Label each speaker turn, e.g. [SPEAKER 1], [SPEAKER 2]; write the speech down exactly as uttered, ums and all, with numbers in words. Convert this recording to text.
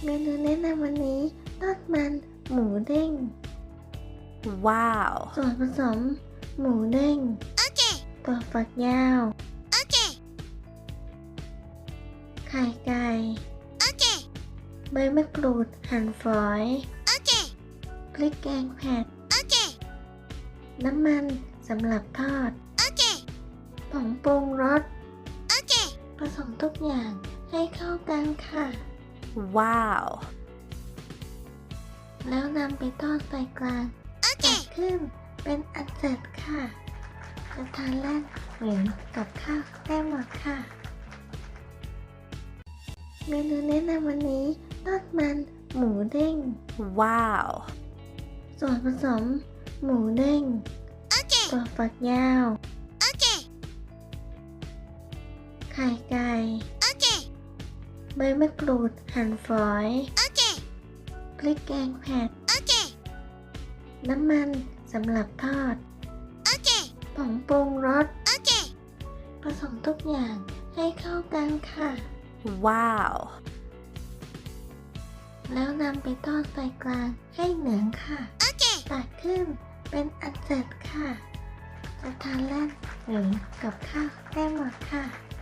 [SPEAKER 1] เมนูแนะนำวันนี้ทอดมันหมูเด้ง
[SPEAKER 2] Wow.
[SPEAKER 1] ส่วนผสมหมูเด้ง
[SPEAKER 2] Okay.
[SPEAKER 1] ถั่วฝักยาว
[SPEAKER 2] Okay.
[SPEAKER 1] ไข่ไก่
[SPEAKER 2] Okay.
[SPEAKER 1] ใบมะกรูดหั่นฝอย
[SPEAKER 2] Okay.
[SPEAKER 1] พริกแกงเผ็ด
[SPEAKER 2] Okay.
[SPEAKER 1] น้ำมันสำหรับทอด
[SPEAKER 2] Okay.
[SPEAKER 1] ผงปรุงรส
[SPEAKER 2] Okay.
[SPEAKER 1] ผสมทุกอย่างให้เข้ากันค่ะ
[SPEAKER 2] Wow.
[SPEAKER 1] แล้วนำไปทอดไฟกลางตัก
[SPEAKER 2] Okay.
[SPEAKER 1] ขึ้นเป็นอันเสร็จค่ะ จะทานแล่นหรือกับข้าวได้หมดค่ะ เมนูแนะนำวันนี้ทอดมันหมูเด้ง
[SPEAKER 2] Wow.
[SPEAKER 1] ส่วนผสมหมูเด้ง
[SPEAKER 2] Okay.
[SPEAKER 1] ถั่วฝักยาว
[SPEAKER 2] Okay.
[SPEAKER 1] ไข่ไก่
[SPEAKER 2] Okay.
[SPEAKER 1] ใบมะกรูดหั่นฝอย
[SPEAKER 2] Okay.
[SPEAKER 1] พริกแกงเผ็ด
[SPEAKER 2] Okay.
[SPEAKER 1] น้ำมันสำหรับทอด
[SPEAKER 2] Okay.
[SPEAKER 1] ผงปรุงรส
[SPEAKER 2] Okay.
[SPEAKER 1] ผสมทุกอย่างให้เข้ากันค่ะ
[SPEAKER 2] Wow.
[SPEAKER 1] แล้วนำไปทอดไฟกลางให้เหลืองค่ะ
[SPEAKER 2] Okay.
[SPEAKER 1] ตักขึ้นเป็นอันเสร็จค่ะ จะทานเล่นหรือกับข้าวได้หมดค่ะ